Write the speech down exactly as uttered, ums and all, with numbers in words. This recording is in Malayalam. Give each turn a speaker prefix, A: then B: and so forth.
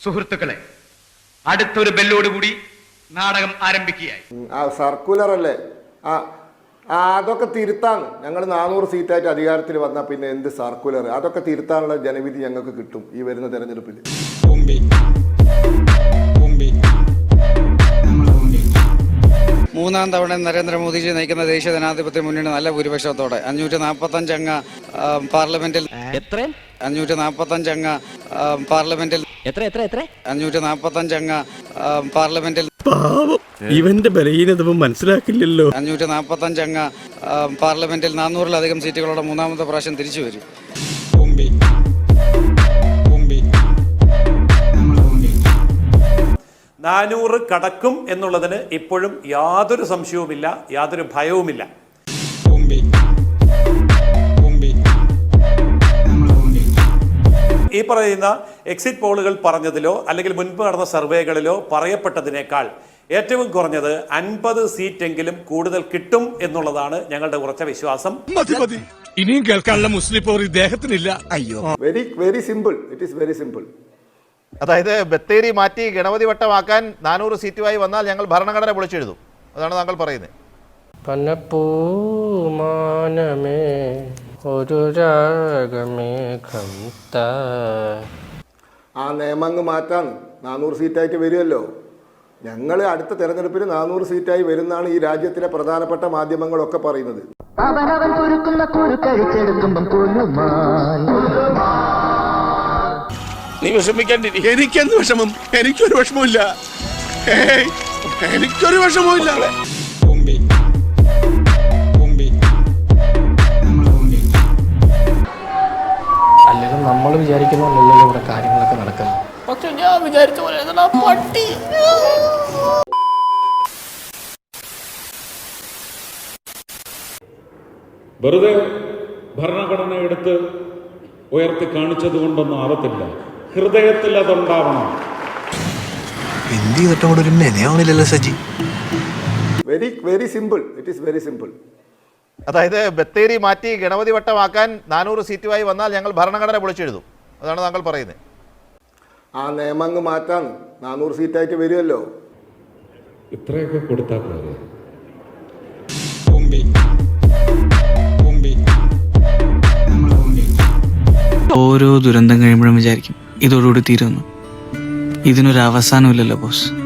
A: സുഹൃത്തുക്കളെ, അടുത്തൊരു ബെല്ലോടുകൂടി നാടകം ആരംഭിക്കുകയായി.
B: ആ സർക്കുലർ അല്ലേ, ആ അതൊക്കെ തിരുത്താണ്. ഞങ്ങൾ നാനൂറ് സീറ്റായിട്ട് അധികാരത്തിൽ വന്നാൽ പിന്നെ എന്ത് സർക്കുലർ, അതൊക്കെ തിരുത്താനുള്ള ജനവിധി ഞങ്ങൾക്ക് കിട്ടും ഈ വരുന്ന തെരഞ്ഞെടുപ്പിൽ.
C: മൂന്നാം തവണ നരേന്ദ്രമോദിജി നയിക്കുന്ന ദേശീയ ജനാധിപത്യ മുന്നണി നല്ല ഭൂരിപക്ഷത്തോടെ അഞ്ഞൂറ്റി നാൽപ്പത്തഞ്ച് അംഗ പാർലമെന്റിൽ അഞ്ഞൂറ്റി നാൽപ്പത്തഞ്ച് അംഗ പാർലമെന്റിൽ അഞ്ഞൂറ്റി നാൽപ്പത്തഞ്ച് അംഗ പാർലമെന്റിൽ
D: ഇവന്റെ ബലഹീനത മനസ്സിലാക്കില്ലല്ലോ.
C: അഞ്ഞൂറ്റി നാൽപ്പത്തഞ്ച് അംഗ പാർലമെന്റിൽ നാനൂറിലധികം സീറ്റുകളോടെ മൂന്നാമത്തെ പ്രാവശ്യം തിരിച്ചു വരും.
E: നാനൂറ് കടക്കും എന്നുള്ളതിന് ഇപ്പോഴും യാതൊരു സംശയവുമില്ല, യാതൊരു ഭയവുമില്ല. ഈ പറയുന്ന എക്സിറ്റ് പോളുകൾ പറഞ്ഞതിലോ അല്ലെങ്കിൽ മുൻപ് നടന്ന സർവേകളിലോ പറയപ്പെട്ടതിനേക്കാൾ ഏറ്റവും കുറഞ്ഞത് അൻപത് സീറ്റെങ്കിലും കൂടുതൽ കിട്ടും എന്നുള്ളതാണ് ഞങ്ങളുടെ ഉറച്ച വിശ്വാസം.
D: ഇനിയും കേൾക്കാനുള്ള മുസ്ലിം പോർ ഇദ്ദേഹത്തിനില്ല. അയ്യോ,
B: very very simple, it is very simple.
F: അതായത് ബത്തേരി മാറ്റി ഗണപതി വട്ടമാക്കാൻ നാനൂറ് സീറ്റുമായി വന്നാൽ ഞങ്ങൾ ഭരണഘടന പൊളിച്ചെഴുതും, അതാണ് താങ്കൾ പറയുന്നത്.
G: ഒരു രാഗമേഘം
B: ആ നിയമങ്ങ് മാറ്റാൻ നാനൂറ് സീറ്റായിട്ട് വരുമല്ലോ. ഞങ്ങൾ അടുത്ത തെരഞ്ഞെടുപ്പിൽ നാനൂറ് സീറ്റായി വരുന്നതാണ് ഈ രാജ്യത്തിലെ പ്രധാനപ്പെട്ട മാധ്യമങ്ങളൊക്കെ പറയുന്നത്.
D: നീ വിഷമിക്കാണ്ടിരി. എനിക്കെന്ത് വിഷമം? എനിക്കൊരു വിഷമമില്ല, എനിക്കൊരു വിഷമമില്ല.
G: അല്ലെങ്കിൽ നമ്മൾ വിചാരിക്കുന്ന പോലെയല്ലോ ഇവിടെ കാര്യങ്ങളൊക്കെ നടക്കുന്നത്. പക്ഷെ ഞാൻ വിചാരിച്ച പോലെ പട്ടി
H: വെറുതെ ഭരണഘടന എടുത്ത് ഉയർത്തി കാണിച്ചത് കൊണ്ടൊന്നും ആവത്തില്ല, ഹൃദയത്തിൽ അതുണ്ടാവണം.
I: എന്ത് ചെയ്തിട്ടും കൂടെ ഒരു മെനയാവണില്ലല്ലോ Saji.
B: Very very simple, it is very simple.
F: അതായത് ബത്തേരി മാറ്റി ഗണപതി വട്ടമാക്കാൻ നാനൂറ് സീറ്റുമായി വന്നാൽ ഞങ്ങൾ ഭരണഘടന പൊളിച്ചെഴുതും, അതാണ് താങ്കൾ പറയുന്നത്.
B: ആ നിയമങ്ങ് മാറ്റാൻ നാനൂറ് സീറ്റായിട്ട് വരുമല്ലോ.
H: ഇത്രയൊക്കെ കൊടുത്താൽ പോരെ?
I: ഓരോ ദുരന്തം കഴിയുമ്പോഴും വിചാരിക്കും ഇതോടുകൂടി തീരുന്നു. ഇതിനൊരു അവസാനമില്ലല്ലോ ബോസ്.